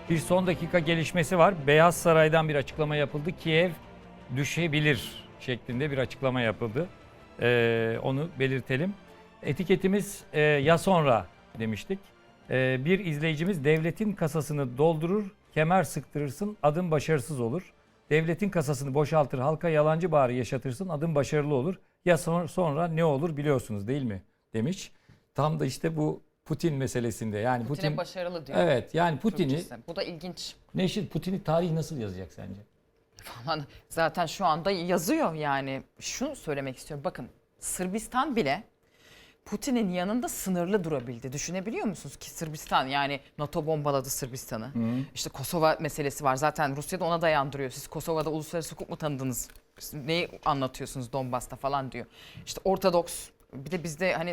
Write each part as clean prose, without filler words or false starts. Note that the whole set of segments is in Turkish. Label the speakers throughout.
Speaker 1: Bir son dakika gelişmesi var. Beyaz Saray'dan bir açıklama yapıldı. Kiev düşebilir şeklinde bir açıklama yapıldı. Onu belirtelim. Etiketimiz ya sonra demiştik. Bir izleyicimiz devletin kasasını doldurur, kemer sıktırırsın, adım başarısız olur. Devletin kasasını boşaltır, halka yalancı bağrı yaşatırsın, adım başarılı olur. Ya sonra ne olur biliyorsunuz değil mi demiş. Tam da işte bu Putin meselesinde. Yani
Speaker 2: Putin'e başarılı diyor.
Speaker 1: Evet, yani Putin'i
Speaker 2: Türkçesi. Bu da ilginç.
Speaker 1: Neşir, Putin'i tarih nasıl yazacak sence?
Speaker 2: Falan. Zaten şu anda yazıyor yani. Şunu söylemek istiyorum. Bakın Sırbistan bile Putin'in yanında sınırlı durabildi. Düşünebiliyor musunuz ki Sırbistan, yani NATO bombaladı Sırbistan'ı. İşte Kosova meselesi var. Zaten Rusya da ona dayandırıyor. Siz Kosova'da uluslararası hukuk mu tanıdınız? Siz neyi anlatıyorsunuz Donbas'ta falan diyor. İşte Ortodoks, bir de bizde hani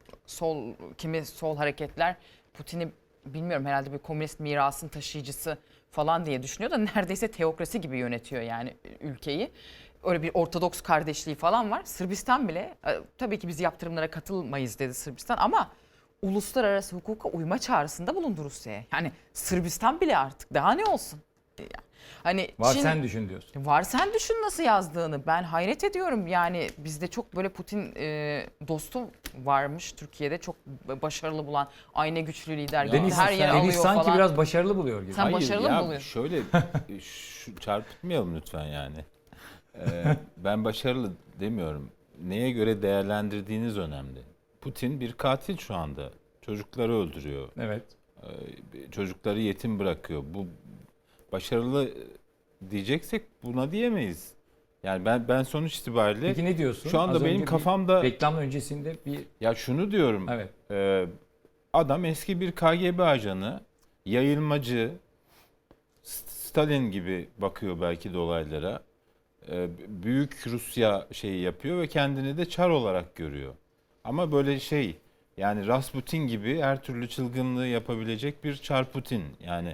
Speaker 2: kimi sol hareketler Putin'i bilmiyorum herhalde bir komünist mirasın taşıyıcısı falan diye düşünüyor da neredeyse teokrasi gibi yönetiyor yani ülkeyi. Öyle bir Ortodoks kardeşliği falan var. Sırbistan bile tabii ki biz yaptırımlara katılmayız dedi Sırbistan ama uluslararası hukuka uyma çağrısında bulundu Rusya'ya. Yani Sırbistan bile artık daha ne olsun? Yani hani
Speaker 1: Var
Speaker 2: Çin,
Speaker 1: sen düşün diyorsun.
Speaker 2: var sen düşün nasıl yazdığını. Ben hayret ediyorum. Yani bizde çok böyle Putin dostu varmış Türkiye'de. Çok başarılı bulan, aynı güçlü lider gibi
Speaker 1: Deniz,
Speaker 2: her yeri
Speaker 1: Deniz
Speaker 2: alıyor
Speaker 1: sanki
Speaker 2: falan.
Speaker 1: biraz başarılı buluyor gibi.
Speaker 2: Sen
Speaker 3: Hayır
Speaker 2: başarılı
Speaker 3: ya,
Speaker 2: mı buluyorsun?
Speaker 3: şöyle çarpıtmayalım lütfen yani. Ben başarılı demiyorum. Neye göre değerlendirdiğiniz önemli. Putin bir katil şu anda. Çocukları öldürüyor.
Speaker 1: Evet.
Speaker 3: Çocukları yetim bırakıyor. Bu başarılı diyeceksek buna diyemeyiz. Yani ben sonuç itibariyle
Speaker 1: Peki ne diyorsun?
Speaker 3: şu anda
Speaker 1: Az
Speaker 3: benim
Speaker 1: önce
Speaker 3: kafamda
Speaker 1: reklam öncesinde bir
Speaker 3: ya şunu diyorum.
Speaker 1: evet.
Speaker 3: Adam eski bir KGB ajanı, yayılmacı, Stalin gibi bakıyor belki de olaylara. Büyük Rusya şeyi yapıyor ve kendini de Çar olarak görüyor. Ama böyle yani Rasputin gibi her türlü çılgınlığı yapabilecek bir Çar Putin. Yani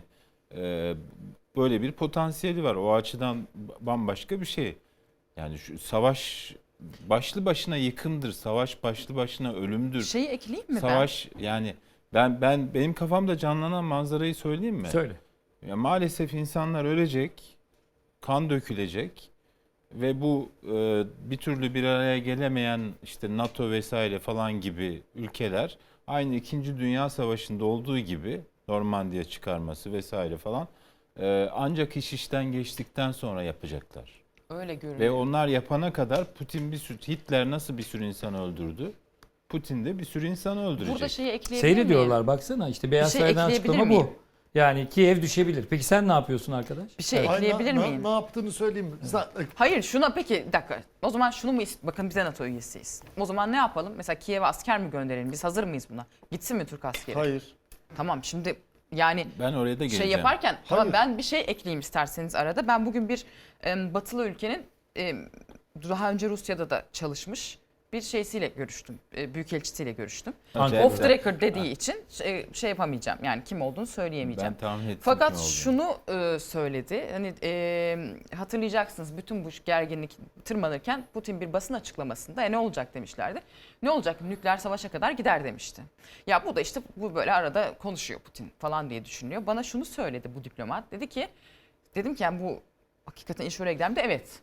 Speaker 3: böyle bir potansiyeli var. O açıdan bambaşka bir şey. Yani şu savaş başlı başına yıkımdır. Savaş başlı başına ölümdür.
Speaker 2: Şeyi ekleyeyim mi
Speaker 3: Savaş yani benim kafamda canlanan manzarayı söyleyeyim mi?
Speaker 1: Söyle.
Speaker 3: Ya maalesef insanlar ölecek, kan dökülecek ve bu bir türlü bir araya gelemeyen işte NATO vesaire falan gibi ülkeler aynı 2. Dünya Savaşı'nda olduğu gibi Normandiya çıkarması vesaire falan ancak iş işten geçtikten sonra yapacaklar.
Speaker 2: ben? Öyle görünüyor.
Speaker 3: Ve onlar yapana kadar Hitler nasıl bir sürü insan öldürdü? Putin de bir sürü insanı öldürecek.
Speaker 2: Burada şeyi ekleyebilir miyim?
Speaker 1: Seyrediyorlar baksana işte Beyaz
Speaker 2: Bir şey
Speaker 1: Saray'dan
Speaker 2: ekleyebilir
Speaker 1: açıklama
Speaker 2: miyim?
Speaker 1: bu. Yani Kiev düşebilir. Peki sen ne yapıyorsun arkadaş?
Speaker 2: Bir şey
Speaker 1: Evet.
Speaker 2: ekleyebilir miyim?
Speaker 4: Ne yaptığını söyleyeyim mi?
Speaker 2: Hayır şuna peki bir dakika. O zaman şunu mu bakın bize NATO üyesiyiz. O zaman ne yapalım? Mesela Kiev'e asker mi gönderelim? Biz hazır mıyız buna? Gitsin mi Türk askeri?
Speaker 4: Hayır.
Speaker 2: Tamam şimdi yani
Speaker 3: Ben oraya da geleceğim.
Speaker 2: şey yaparken tamam
Speaker 4: Hayır.
Speaker 2: ben bir şey ekleyeyim isterseniz arada. Ben bugün bir batılı ülkenin daha önce Rusya'da da çalışmış bir şeysiyle görüştüm. Büyükelçisiyle görüştüm.
Speaker 3: Acayip
Speaker 2: Off the
Speaker 3: güzel.
Speaker 2: record dediği için şey yapamayacağım. Yani kim olduğunu söyleyemeyeceğim.
Speaker 3: Ben tahmin ettim
Speaker 2: Fakat
Speaker 3: kim olduğunu.
Speaker 2: şunu söyledi. Hani hatırlayacaksınız bütün bu gerginlik tırmanırken Putin bir basın açıklamasında ne olacak demişlerdi. Ne olacak? Nükleer savaşa kadar gider demişti. Ya bu da işte bu böyle arada konuşuyor Putin falan diye düşünüyor. Bana şunu söyledi bu diplomat. Dedim ki yani bu hakikaten iş oraya gider mi? Evet.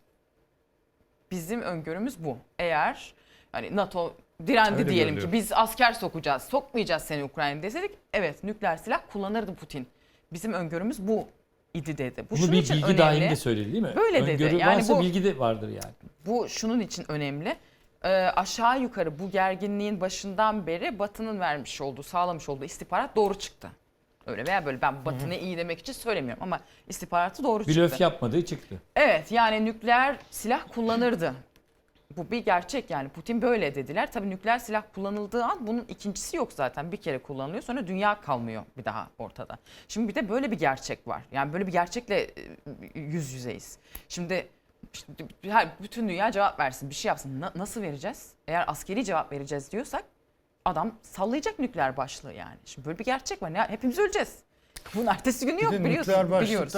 Speaker 2: Bizim öngörümüz bu. Eğer hani NATO direndi
Speaker 1: Öyle
Speaker 2: diyelim
Speaker 1: görülüyor.
Speaker 2: ki biz asker sokacağız, sokmayacağız seni Ukrayna'ya deseydik evet nükleer silah kullanırdı Putin. Bizim öngörümüz bu idi dedi. Bu
Speaker 1: Bunu
Speaker 2: şunun
Speaker 1: bir
Speaker 2: için
Speaker 1: bilgi
Speaker 2: önemli.
Speaker 1: dahilinde söyledi değil mi?
Speaker 2: Böyle dedi.
Speaker 1: Öngörü
Speaker 2: Yani
Speaker 1: varsa
Speaker 2: bu-
Speaker 1: bilgi de vardır yani.
Speaker 2: Bu şunun için önemli. Aşağı yukarı bu gerginliğin başından beri Batı'nın vermiş olduğu, sağlamış olduğu istihbarat doğru çıktı. Öyle veya böyle ben Batı ne iyi demek için söylemiyorum ama istihbaratı doğru çıktı.
Speaker 1: Blöf yapmadığı çıktı.
Speaker 2: Evet yani nükleer silah kullanırdı. Bu bir gerçek yani Putin böyle dediler. Tabii nükleer silah kullanıldığı an bunun ikincisi yok zaten. Bir kere kullanılıyor sonra dünya kalmıyor bir daha ortada. Şimdi bir de böyle bir gerçek var. Yani böyle bir gerçekle yüz yüzeyiz. Şimdi işte bütün dünya cevap versin bir şey yapsın. Nasıl vereceğiz? Eğer askeri cevap vereceğiz diyorsak adam sallayacak nükleer başlığı yani. Şimdi böyle bir gerçek var. Hepimiz öleceğiz. Bunun ertesi günü yok
Speaker 4: Bir de
Speaker 2: biliyorsun.
Speaker 4: nükleer başlıkta
Speaker 2: Biliyoruz.